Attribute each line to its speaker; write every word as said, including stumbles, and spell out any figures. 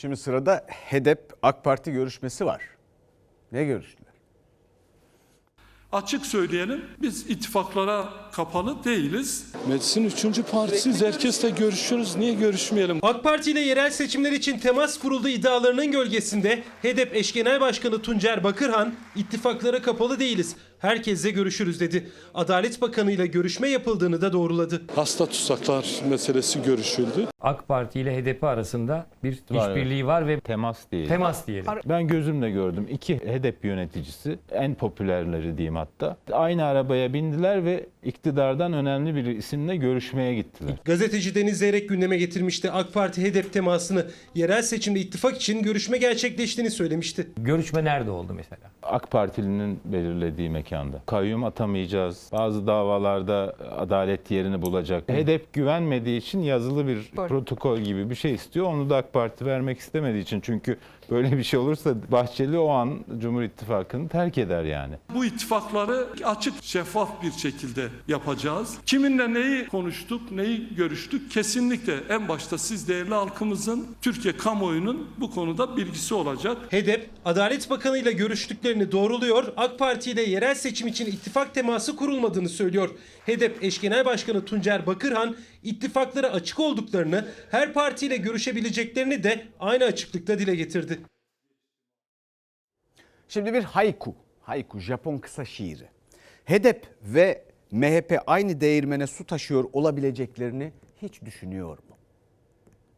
Speaker 1: Şimdi sırada HEDEP AK Parti görüşmesi var. Ne görüştüler?
Speaker 2: Açık söyleyelim, biz ittifaklara kapalı değiliz.
Speaker 3: Meclisin üçüncü partisiyiz. Herkesle görüşüyoruz. Niye görüşmeyelim?
Speaker 4: AK Parti ile yerel seçimler için temas kuruldu iddialarının gölgesinde HEDEP eş genel başkanı Tuncer Bakırhan ittifaklara kapalı değiliz, herkesle görüşürüz dedi. Adalet Bakanı ile görüşme yapıldığını da doğruladı.
Speaker 3: Hasta tutsaklar meselesi görüşüldü.
Speaker 5: AK Parti ile HEDEP arasında bir işbirliği var ve
Speaker 6: Temas değil.
Speaker 5: temas diyelim.
Speaker 6: Ben gözümle gördüm. İki HEDEP yöneticisi, en popülerleri diyeyim hatta, aynı arabaya bindiler ve iktidardan önemli bir isimle görüşmeye gittiler.
Speaker 4: Gazeteci Deniz Zeyrek gündeme getirmişti. AK Parti HEDEP temasını, yerel seçimde ittifak için görüşme gerçekleştiğini söylemişti.
Speaker 5: Görüşme nerede oldu mesela?
Speaker 6: AK Partili'nin belirlediği mekanda. Kayyum atamayacağız. Bazı davalarda adalet yerini bulacak. HEDEP güvenmediği için yazılı bir protokol gibi bir şey istiyor. Onu da AK Parti vermek istemediği için. Çünkü böyle bir şey olursa Bahçeli o an Cumhur İttifakı'nı terk eder yani.
Speaker 2: Bu ittifakları açık, şeffaf bir şekilde yapacağız. Kiminle neyi konuştuk, neyi görüştük? Kesinlikle en başta siz değerli halkımızın, Türkiye kamuoyunun bu konuda bilgisi olacak.
Speaker 4: HEDEP, Adalet Bakanı ile görüştüklerini doğruluyor. AK Parti ile yerel seçim için ittifak teması kurulmadığını söylüyor. HEDEP eş genel başkanı Tuncer Bakırhan, ittifaklara açık olduklarını, her partiyle görüşebileceklerini de aynı açıklıkta dile getirdi.
Speaker 1: Şimdi bir haiku. Haiku, Japon kısa şiiri. HEDEP ve M H P aynı değirmene su taşıyor olabileceklerini hiç düşünüyor mu?